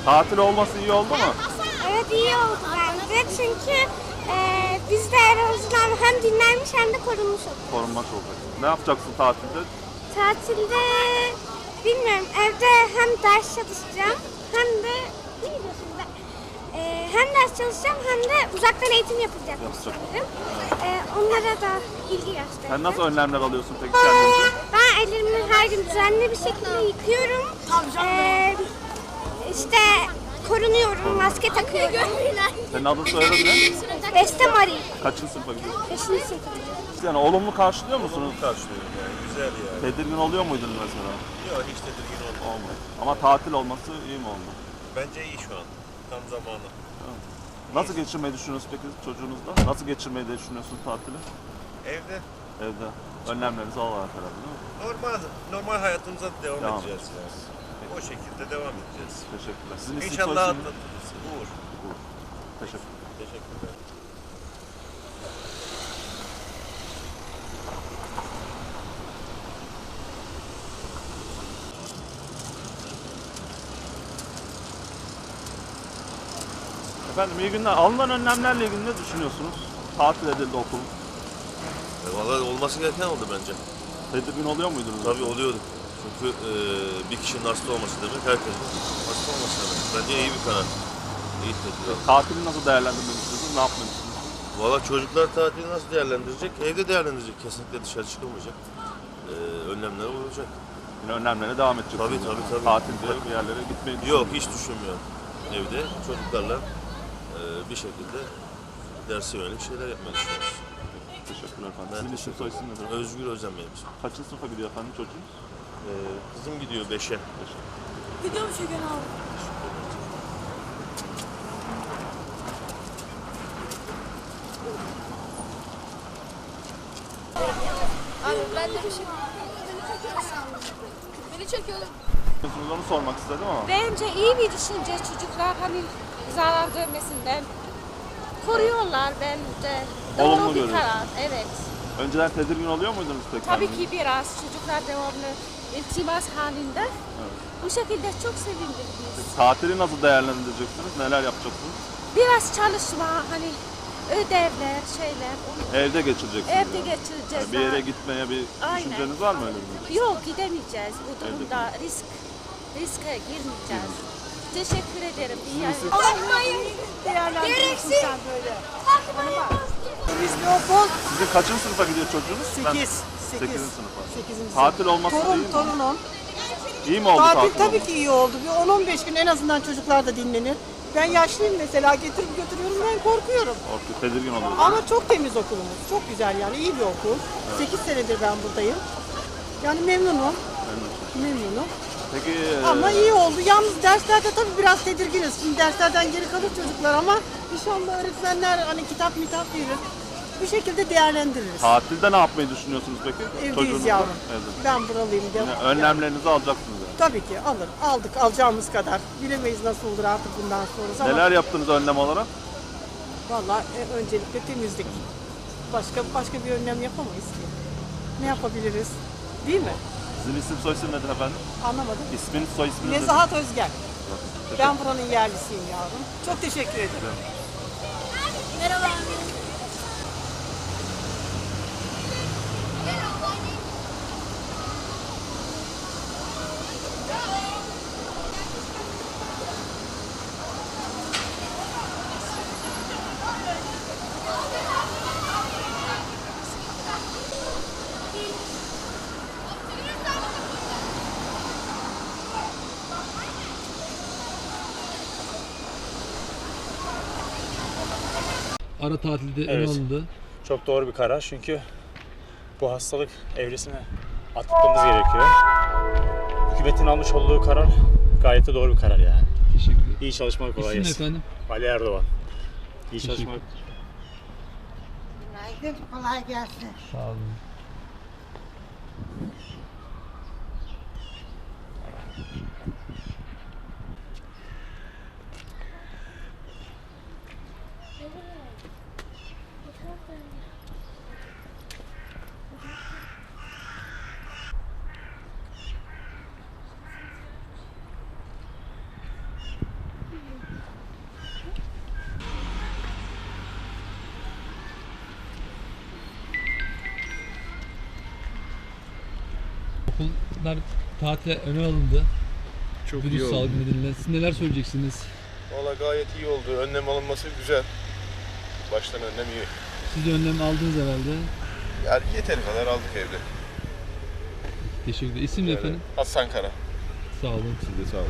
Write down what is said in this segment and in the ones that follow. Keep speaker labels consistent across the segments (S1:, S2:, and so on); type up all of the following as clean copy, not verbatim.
S1: Tatil olması iyi oldu mu?
S2: Evet, iyi oldu bence çünkü biz de en azından hem dinlenmiş hem de korunmuş olduk.
S1: Korunmak olacak. Ne yapacaksın tatilde?
S2: Tatilde bilmiyorum, evde hem ders çalışacağım hem de ne gidiyorsun be? Hem ders çalışacağım hem de uzaktan eğitim yapılacak sanırım. Onlara da ilgi göstereceğim.
S1: Sen nasıl önlemler alıyorsun peki kendince?
S2: Ben ellerimi her gün düzenli bir şekilde yıkıyorum. İşte korunuyorum, maske takıyorum.
S1: Senin adın soyadın ne?
S2: Beste Marie.
S1: Kaçıncı sınıfa gidiyorsun?
S2: 5. sınıfta.
S1: Yani olumlu karşılıyor musunuz?
S3: Karşılıyorum yani. Güzel yani.
S1: Tedirgin oluyor muydunuz mesela?
S3: Yok hiç tedirgin olmadım.
S1: Olmadı. Ama tatil olması iyi mi oldu?
S3: Bence iyi şu an. Tam zamanı.
S1: Nasıl geçirmeyi düşünüyorsunuz peki çocuğunuzla? Nasıl geçirmeyi de düşünüyorsunuz tatili?
S3: Evde
S1: Evde. Önlemlerinizi alarak herhalde değil mi?
S3: normal hayatımıza devam
S1: Devam
S3: edeceğiz yani. O şekilde devam edeceğiz.
S1: Teşekkürler. Sizin isim
S3: İnşallah
S1: soyisim?
S3: atlatırız. Uğur.
S1: Teşekkür.
S3: Teşekkürler.
S1: Efendim iyi günler. Alınan önlemlerle ilgili ne düşünüyorsunuz? Tatil edildi okul.
S3: Vallahi olması gereken oldu bence.
S1: Tedirgin oluyor muydunuz?
S3: Tabii oluyordu. Çünkü bir kişinin hasta olması demek herkesin hasta olması demek. Bence iyi bir karar. İyi tedbir aldı.
S1: Tatili nasıl değerlendirmek istiyorsunuz? Ne yapmak istiyorsunuz?
S3: Valla çocuklar tatili nasıl değerlendirecek? Evde değerlendirecek. Kesinlikle dışarı çıkılmayacak. Önlemlere uyulacak.
S1: Yine önlemlere devam edeceksiniz.
S3: Tabii.
S1: Tatilde bir yerlere gitmeyi
S3: Yok hiç düşünmüyorum. Evde çocuklarla bir şekilde derse yönelik şeyler yapmayı düşünüyoruz.
S1: Teşekkürler efendim.
S3: Ben
S1: Sizin isim
S3: teşekkür
S1: soyisim nedir?
S3: Özgür Özen benim ismim.
S1: Kaçıncı sınıfa gidiyor efendim çocuğunuz?
S3: Kızım gidiyor 5'e.
S4: Gidiyor mu Şeker abi?
S5: Abi ben de bir şey... Beni çekiyorlar.
S1: Onu sormak istedim ama.
S4: Bence iyi bir düşünce, çocuklar hani zarar görmesinden koruyorlar bence. Doğru
S1: Olumlu
S4: bir
S1: görüyorsun.
S4: karar, evet.
S1: Önceden tedirgin oluyor muydunuz peki?
S4: Tabii ki biraz çocuklar devamlı iltimas halinde. Bu şekilde çok sevindik biz.
S1: Tatili nasıl değerlendireceksiniz? Neler yapacaksınız?
S4: Biraz çalışma, hani ödevler, şeyler.
S1: Evde geçireceksiniz.
S4: Evde
S1: yani.
S4: geçireceğiz.
S1: Yani bir yere gitmeye bir
S4: Aynen.
S1: düşünceniz var mı öyle bir?
S4: Yok, gidemeyeceğiz. Bu durumda riske girmeyeceğiz. Teşekkür ederim.
S2: Gereksiz.
S6: Temizli okul
S1: Sizin kaçıncı sınıfa gidiyor çocuğunuz?
S6: 8.
S1: 8. sınıfa.
S6: 8.
S1: Tatil olması iyi mi?
S6: Torunum.
S1: İyi mi oldu
S6: Tatil
S1: tatil
S6: tabii
S1: olması?
S6: ki iyi oldu. Bir 10-15 gün en azından çocuklar da dinlenir. Ben yaşlıyım mesela, getirip götürüyorum, ben korkuyorum.
S1: Korkuyor, tedirgin oluyor.
S6: Ama çok temiz okulumuz. Çok güzel yani, iyi bir okul. 8 senedir ben buradayım. Yani memnunum. Memnunum.
S1: Peki
S6: Ama iyi oldu. Yalnız derslerde tabii biraz tedirginiz. Şimdi derslerden geri kalır çocuklar ama inşallah öğretmenler hani kitap verir. Bu şekilde değerlendiririz.
S1: tatilde ne yapmayı düşünüyorsunuz peki?
S6: Evdeyiz
S1: Çocuğunuzla?
S6: yavrum.
S1: Evde.
S6: Ben buralıyım.
S1: Yani önlemlerinizi alacaksınız yani.
S6: Tabii ki aldık alacağımız kadar. Bilemeyiz nasıl olur artık bundan sonrası ama
S1: Neler yaptınız önlem olarak?
S6: vallahi öncelikle temizlik. Başka bir önlem yapamayız ki. Ne yapabiliriz? Değil mi?
S1: Sizin isim soyisim nedir efendim?
S6: Anlamadım.
S1: İsminiz soy isminiz nedir?
S6: Nezahat Özgen.
S1: Teşekkür
S6: Ben buranın yerlisiyim yavrum. Çok teşekkür ederim.
S5: Merhaba.
S7: Ara tatilde
S8: Evet.
S7: alındı.
S8: Çok doğru bir karar çünkü bu hastalık evresine atlatmamız gerekiyor. Hükümetin almış olduğu karar gayet de doğru bir karar yani.
S7: Teşekkür ederim.
S8: İyi çalışmalar, kolay
S7: İsim ne
S8: gelsin.
S7: efendim?
S8: Ali Erdoğan. İyi
S7: Teşekkür.
S8: çalışmalar.
S9: Günaydın, kolay gelsin.
S7: Sağ olun. okullar tatile öne alındı.
S9: Çok
S7: Virüs
S9: iyi oldu.
S7: salgını nedeniyle. Siz neler söyleyeceksiniz?
S9: Valla gayet iyi oldu. Önlem alınması güzel. Baştan önlem iyi.
S7: Siz de önlem aldınız herhalde.
S9: Yani yeteri kadar aldık evde.
S7: Teşekkür ederim. İsim ne efendim?
S9: Hasan Kara.
S7: Sağ olun.
S9: Siz de sağ olun.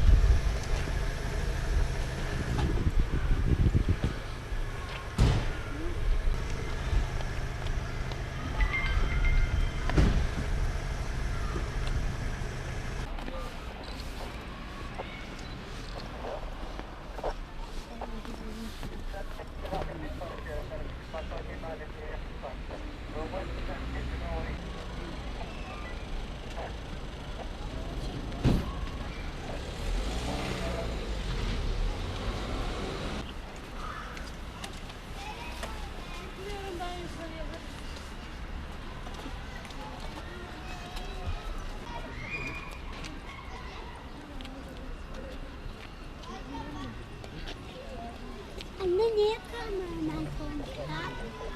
S2: Anne niye kameraman koymuşlar?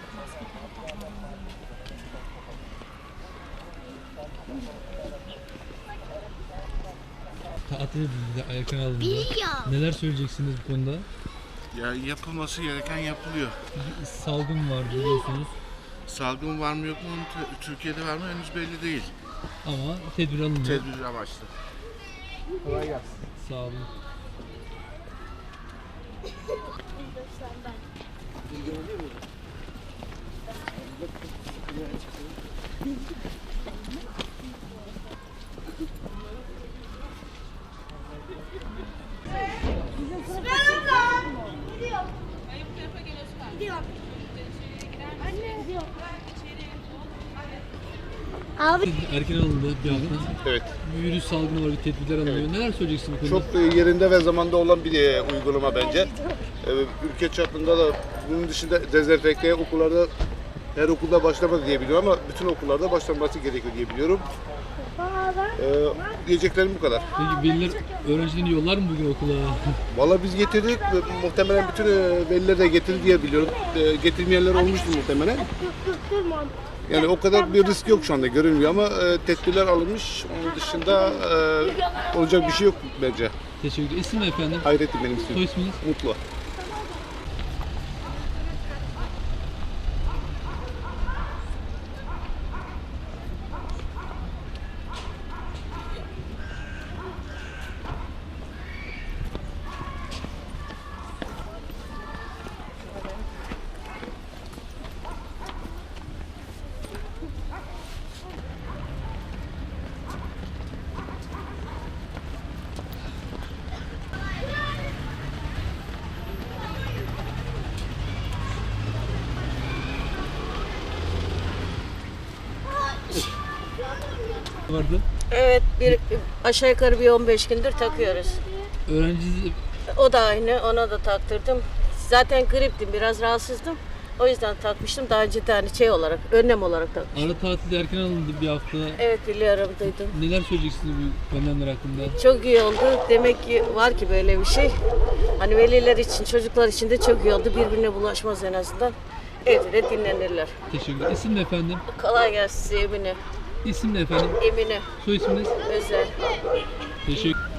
S7: Tatil edildi, erken alındı. Neler söyleyeceksiniz bu konuda?
S10: Ya yapılması gereken yapılıyor.
S7: Salgın var biliyorsunuz
S10: Salgın var mı yok mu Türkiye'de var mı henüz belli değil.
S7: ama tedbir alındı.
S10: Tedbir amaçlı.
S7: Sağ olun.
S2: Abi
S7: Erken alındı bir hafta.
S9: Evet.
S7: Bir virüs salgını var, bir tedbirler alınıyor. Neler söyleyeceksin bu konuda?
S9: Çok yerinde ve zamanda olan bir uygulama bence. Ülke çapında da bunun dışında dezenfekteye okullarda her okulda başlamadı diye biliyorum ama bütün okullarda başlanması gerekiyor diye biliyorum. Diyeceklerim bu kadar.
S7: Peki veliler öğrencilerini yollar mı bugün okula?
S9: Valla biz getirdik ve muhtemelen bütün veliler de getirdi diye biliyorum. Getirmeyenler olmuştur muhtemelen. Yani o kadar bir risk yok şu anda görünmüyor ama tedbirler alınmış. Onun dışında olacak bir şey yok bence.
S7: Teşekkür ederim. İsim ne efendim?
S9: Hayrettin benim ismim.
S7: Soy isminiz?
S9: Mutlu.
S7: Vardı.
S11: Evet, aşağı yukarı bir 15 gündür takıyoruz.
S7: Öğrenci
S11: O da aynı, ona da taktırdım. Zaten griptim, biraz rahatsızdım. O yüzden takmıştım. Daha önce de hani şey olarak, önlem olarak takmıştım.
S7: ara tatilde erken alındı bir hafta.
S11: Evet, biliyorum, duydum.
S7: Neler söyleyeceksiniz bu önlemler hakkında?
S11: Çok iyi oldu. Demek ki var ki böyle bir şey. Hani veliler için, çocuklar için de çok iyi oldu. Birbirine bulaşmaz en azından. Evde de dinlenirler.
S7: Teşekkür ederim. İsim ne efendim?
S11: Kolay gelsin size Emine.
S7: İsim ne efendim?
S11: Emine,
S7: Soy isminiz?
S11: Özel.
S7: Teşekkür